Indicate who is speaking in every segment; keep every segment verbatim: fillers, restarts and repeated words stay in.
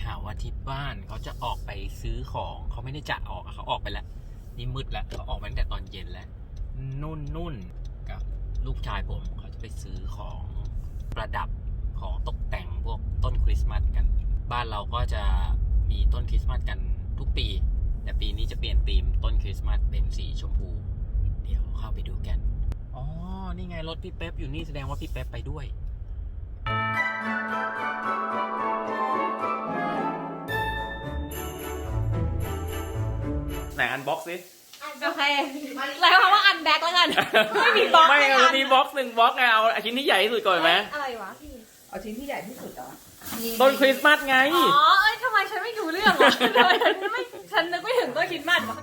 Speaker 1: ข่าวว่าที่บ้านเขาจะออกไปซื้อของเขาไม่ได้จะออกเขาออกไปแล้วนี่มืดแล้วเขาออกไปตั้งแต่ตอนเย็นแล้วนุ่นนุ่นกับลูกชายผมเขาจะไปซื้อของประดับของตกแต่งพวกต้นคริสต์มาสกันบ้านเราก็จะมีต้นคริสต์มาสกันทุกปีแต่ปีนี้จะเปลี่ยนธีมต้นคริสต์มาสเป็นสีชมพูเดี๋ยวเข้าไปดูกันอ๋อนี่ไงรถพี่เป๊ปอยู่นี่แสดงว่าพี่เป๊ปไปด้วยไหนอันบ็อกซ์สิ
Speaker 2: โอเคแล้วคำว่าอันแบ็คแล้วกันไม่มีบ็อกซ์
Speaker 1: ไม่เอามีบ็อกซ์หนึ่งบ็อกซ์ไงเอาชิ้นที่ใหญ่ที่สุดก่อนไหม
Speaker 2: อะไรวะพี่
Speaker 3: เอาชิ้นที่ใหญ่ที่สุดเหรอ
Speaker 1: ต้นคริสต์มาสไง
Speaker 2: อ๋อเอ้ยทำไมฉันไม่ดูเรื่องวะทำไมฉันไม่ฉันนึกไม่ถึงต้นคริสต์มาสวะ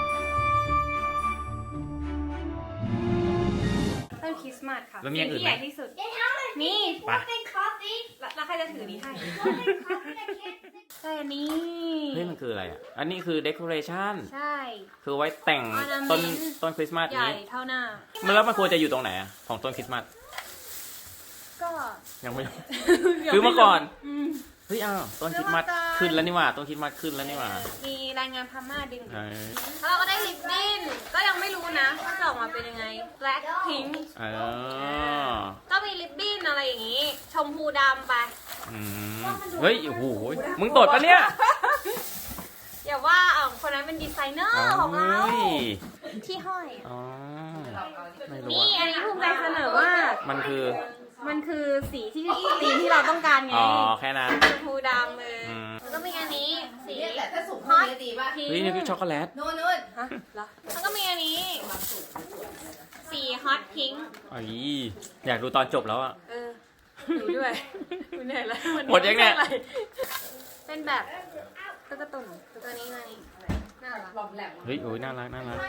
Speaker 2: ต้นคริสต์มาสค่ะสิ่งที่ใหญ่ที่สุดนี่แล้วใครจะถือนี้ให้แต่อันนี้
Speaker 1: เฮ้ยมันคืออะไรอ่ะอันนี้คือเดคอเรชั่น
Speaker 2: ใช่
Speaker 1: คือไว้แต่งต้นต้นคริสต์มาส
Speaker 2: ใหญ่เท่าหน้า
Speaker 1: มันแล้วมันควรจะอยู่ตรงไหนอ่ะของต้นคริสต์มาส
Speaker 2: ก็
Speaker 1: ยังไม่คือเมื่อก่อนเฮ้ยอ้าวต้นคริสต์มาสขึ้นแล้วนี่หว่าต้นคริสต์มาสขึ้นแล้วนี่หว่า
Speaker 2: มีรายงานพม่าดึงแล้วเราก็ได้ลิปบิ้นก็ยังไม่รู้นะว่าจะออกมาเป็นยังไง black pink ก็มีลิปบิ้นอะไรอย่างงี้ชมพูดำไป
Speaker 1: เฮ้ยโอ้โหมึงตดปะเนี่ย
Speaker 2: อย่าว่าอ๋อคนนั้นเป็นดีไซเนอร์ของเราที่ห้อยนี่อันนี้ภูมิใจเสนอว่า
Speaker 1: มันคือ
Speaker 2: มันคือสีที่ตีมที่เราต้องการไง
Speaker 1: อ๋อแค่นั้น
Speaker 2: ชมพูดำเลยแล้วก็มีอันนี้สี
Speaker 3: แต่ถ้าสูงฮอตดีป่ะ
Speaker 1: เฮ้ยนี่คือช็อกโกแลต
Speaker 3: นู่นนู่น
Speaker 2: ฮะแล้วก็มีอันนี้สีฮอตพิงค์
Speaker 1: อ๋ออยากดูตอนจบแล้วอ่ะ
Speaker 2: เออดูด้วยดูเหนื่อยแล้ว
Speaker 1: หมดยังเนี่ย
Speaker 2: เป็นแบบตุ๊กตาตุ่นตัวนี้มานี่น่ารัก
Speaker 1: เฮ้ยโอ้ยน่ารักน่ารัก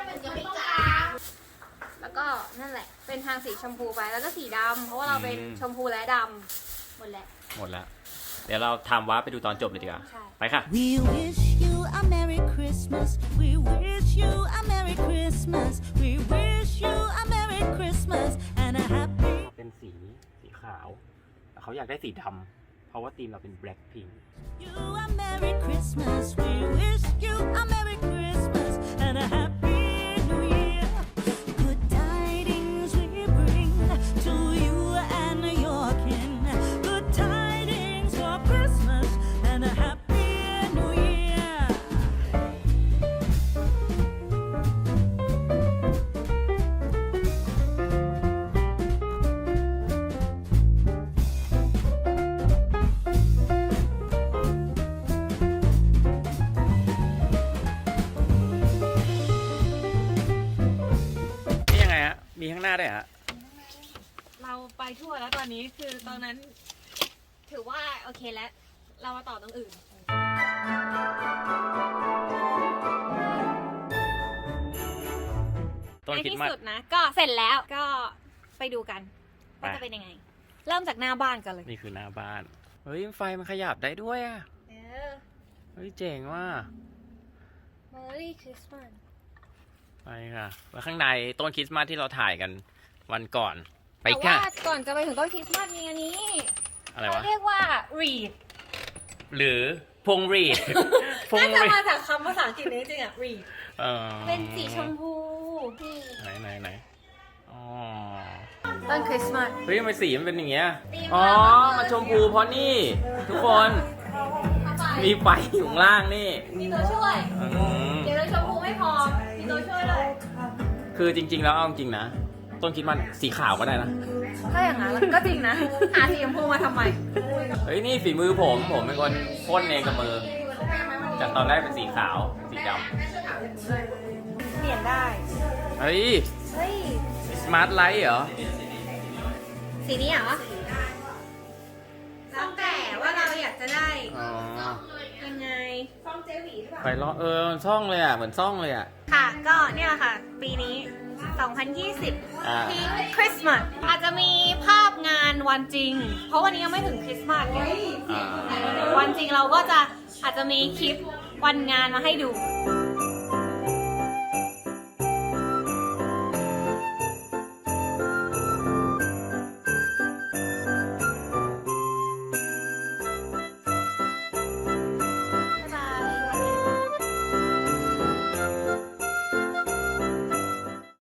Speaker 2: แล้วก็นั่นแหละเป็นทางสีชมพูไปแล้วก็สีดำเพราะว่าเราเป็นชมพูและดำหมดแล้ว
Speaker 1: หมดแล้วเดี๋ยวเราทำวาร์ปไปดูตอนจบเลยดีกว่าไปค่ะ
Speaker 4: We wish you a Merry Christmas We wish you a Merry Christmas We wish you a Merry Christmas and a Happy
Speaker 1: เป็นสีสีขาวเขาอยากได้สีดำเพราะว่าธีมเราเป็น Black Pink
Speaker 4: You a Merry Christmas We wish you a Merry Christmas and a Happy New Year Good tidings we bring to you and your kin Good tidings for Christmas and a Happy New Year
Speaker 1: มีข้างหน้าด้วยฮะ
Speaker 2: เราไปทั่วแล้วตอนนี้คือตอนนั้นถือว่าโอเคแล้วเรามาต่อตรงอื่นในที่สุดนะก็เสร็จแล้วก็ไปดูกันว่าจะเป็นยังไงเริ่มจากหน้าบ้านกันเลย
Speaker 1: นี่คือหน้าบ้านเฮ้ยไฟมันขยับได้ด้วยอ่ะเออเฮ้ยเจ๋งว่ะ
Speaker 2: Merry Christmas
Speaker 1: ไปค่ะแล้วข้างในต้นคริสต์มาสที่เราถ่ายกันวันก่อนไปค่ะ
Speaker 2: แต่ว่าก่อนจะไปถึงต้นคริสต์มาสมีอันนี้
Speaker 1: อะไรวะ
Speaker 2: เรียกว่า reed
Speaker 1: หรือพงรีด
Speaker 2: น่าจะมาจากคำภาษาอังกฤษนี้จริงอ่ะ reed เป็นสีชมพู
Speaker 1: ไหนไหนไหนอ๋อ
Speaker 2: ต้นคริสต์มาส
Speaker 1: เฮ้ยทำไมสีมันเป็นอย่างเงี้ยอ๋อมันชมพูเพราะนี่ทุกคนมีไฟอยู่ข้างล่างนี่
Speaker 2: มีตัวช่วยเดี๋ยวเราชมพูไม่พอมีตัวช่วยเลย
Speaker 1: คือจริงๆแล้วเอาจริงนะต้นคริสต์มาสสีขาวก็ได้นะ
Speaker 2: ถ้าอย่างนั้นก็จริงนะหาสีชมพูมาทำไม
Speaker 1: เฮ้ยนี่ฝีมือผมผมเป็นคนพ่นเองกับมือจากตอนแรกเป็นสีขาวสีด
Speaker 2: ำเปลี่ยนได้
Speaker 1: เฮ้ยเฮ้ยสมาร์ทไลท์เหรอ
Speaker 2: สีนี้เหรอแล้วแต่ว่าเราอยากจะได้ยังไงซ่องเจหวีหรือเปล่า
Speaker 1: ไปล้อเออซ่องเลยอ่ะเหมือนซ่องเลยอ่ะ
Speaker 2: ค่ะก็เนี่ยแหละค่ะปีนี้สองพันยี่สิบพิงค์คริสต์มาสอาจจะมีภาพงานวันจริงเพราะวันนี้ยังไม่ถึงคริสต์มาสวันจริงเราก็จะอาจจะมีคลิปวันงานมาให้ดู